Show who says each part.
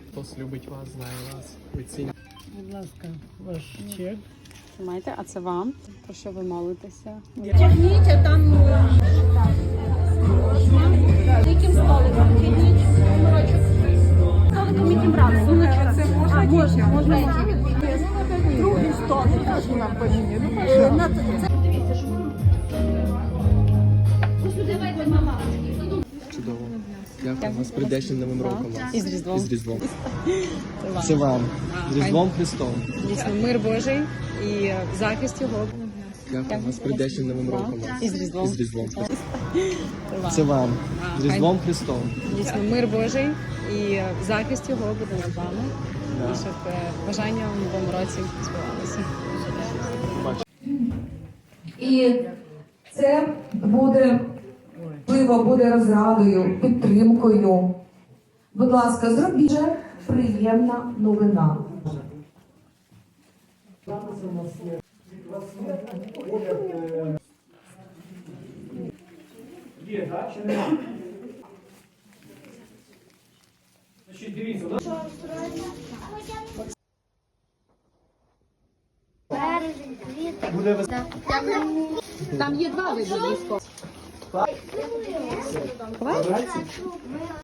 Speaker 1: Хтось любить вас, знає вас, ви ціните.
Speaker 2: Будь ласка, ваш чек.
Speaker 3: Тримайте, а це вам. Про що ви молитеся?
Speaker 4: Тягніть, а там яким столиком? Тягніть номерочок. Столиком яким разом? Це можна? Можна. Другий столик. Нам поміняли.
Speaker 1: Чудово. Дякую вас прийдешнім новим роком.
Speaker 3: І з Різдвом.
Speaker 1: І з Різдвом. Це вам. З Різдвом Христом.
Speaker 3: Дійсно, мир Божий і захист його.
Speaker 1: Дякую вас прийдешнім новим роком.
Speaker 3: І з Різдвом.
Speaker 1: І з Різдвом. Це вам. З Різдвом Христом.
Speaker 3: Дійсно, мир Божий і захист його буде над вами. І щоб бажання в новому році збувалося.
Speaker 5: І це буде, можливо, буде розрадою, підтримкою. Будь ласка, зробіть же приємна новина.
Speaker 6: Є, так, чи нема? Значить, дивіться, у нас...
Speaker 3: Там є два види військових.